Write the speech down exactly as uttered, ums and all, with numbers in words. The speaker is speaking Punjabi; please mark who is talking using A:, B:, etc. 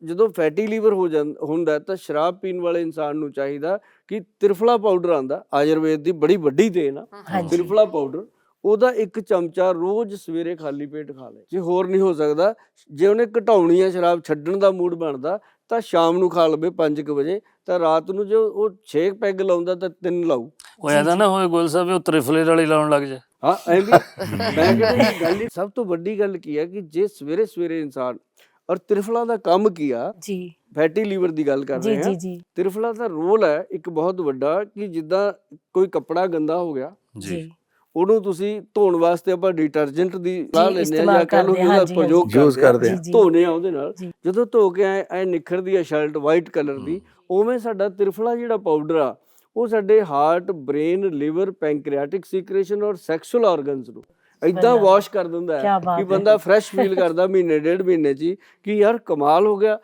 A: ਜਦੋਂ ਫੈਟੀ ਲੀਵਰ ਹੋ ਜਾਂਦਾ ਹੁੰਦਾ ਤਾਂ ਸ਼ਰਾਬ ਪੀਣ ਵਾਲੇ ਇਨਸਾਨ ਨੂੰ ਚਾਹੀਦਾ ਕਿ ਤ੍ਰਿਫਲਾ ਪਾਊਡਰ ਆਂਦਾ, ਆਯੁਰਵੇਦ ਦੀ ਬੜੀ ਵੱਡੀ ਦੇਣ ਆ ਤ੍ਰਿਫਲਾ ਪਾਊਡਰ, ਉਹਦਾ ਇੱਕ ਚਮਚਾ ਰੋਜ਼ ਸਵੇਰੇ ਖਾਲੀ ਪੇਟ ਖਾ ਲੇ। ਜੇ ਹੋਰ ਨਹੀਂ ਹੋ ਸਕਦਾ, ਜੇ ਉਹਨੇ ਘਟਾਉਣੀ ਆ ਸ਼ਰਾਬ, ਛੱਡਣ ਦਾ ਮੂਡ ਬਣਦਾ ਤਾਂ ਸ਼ਾਮ ਨੂੰ ਖਾ ਲਵੇ ਪੰਜ ਕੁ ਵਜੇ, ਤਾਂ ਰਾਤ ਨੂੰ ਜੋ ਉਹ ਛੇ ਪੈਗ ਲਾਉਂਦਾ ਤਾਂ ਤਿੰਨ ਲਾਊ।
B: ਉਹ ਐਦਾ ਨਾ ਹੋਏ ਗੋਲ ਸਾਹਿਬ ਉਹ ਤ੍ਰਿਫਲੇ ਵਾਲੀ ਲਾਉਣ ਲੱਗ ਜਾ।
A: ਹਾਂ ਐ ਵੀ ਮੈਂ ਕਹਿੰਦਾ ਗੱਲ ਹੀ ਸਭ ਤੋਂ ਵੱਡੀ ਗੱਲ ਕੀ ਹੈ ਕਿ ਜੇ ਸਵੇਰੇ ਸਵੇਰੇ ਇਨਸਾਨ, ਔਰ ਤ੍ਰਿਫਲਾ ਦਾ ਕੰਮ ਕੀ ਆ ਜੀ, ਫੈਟੀ ਲੀਵਰ ਦੀ ਗੱਲ ਕਰ ਰਹੇ ਹਾਂ, ਤ੍ਰਿਫਲਾ ਦਾ ਰੋਲ ਹੈ ਇੱਕ ਬਹੁਤ ਵੱਡਾ ਕਿ ਜਿੱਦਾਂ ਕੋਈ ਕੱਪੜਾ ਗੰਦਾ ਹੋ ਗਿਆ ਜੀ, ਉਹਨੂੰ ਤੁਸੀਂ ਧੋਣ ਵਾਸਤੇ ਆਪਾਂ ਡਿਟਰਜੈਂਟ ਦੀ ਸਲਾਹ ਲੈਂਦੇ ਆ ਜਾਂ ਕਹਿ ਲਓ ਉਹਦਾ ਪ੍ਰਯੋਗ ਕਰਦੇ ਆ, ਧੋਨੇ ਆ ਉਹਦੇ ਨਾਲ, ਜਦੋਂ ਧੋ ਕੇ ਐ ਐ ਨਿਖਰਦੀ ਆ ਸ਼ਰਟ ਵਾਈਟ ਕਲਰ ਦੀ, ਉਵੇਂ ਸਾਡਾ ਤ੍ਰਿਫਲਾ ਜਿਹੜਾ ਪਾਊਡਰ ਆ ਉਹ ਸਾਡੇ heart, brain, liver, pancreatic secretion ਔਰ ਸੈਕਸ਼ੂਅਲ ਆਰਗਨਸ ਨੂੰ ਏਦਾਂ ਵਾਸ਼ ਕਰ ਦਿੰਦਾ ਹੈ ਕਿ ਬੰਦਾ ਫਰੈਸ਼ ਫੀਲ ਕਰਦਾ ਮਹੀਨੇ ਡੇਢ ਮਹੀਨੇ 'ਚ ਹੀ ਕਿ ਯਾਰ ਕਮਾਲ ਹੋ ਗਿਆ।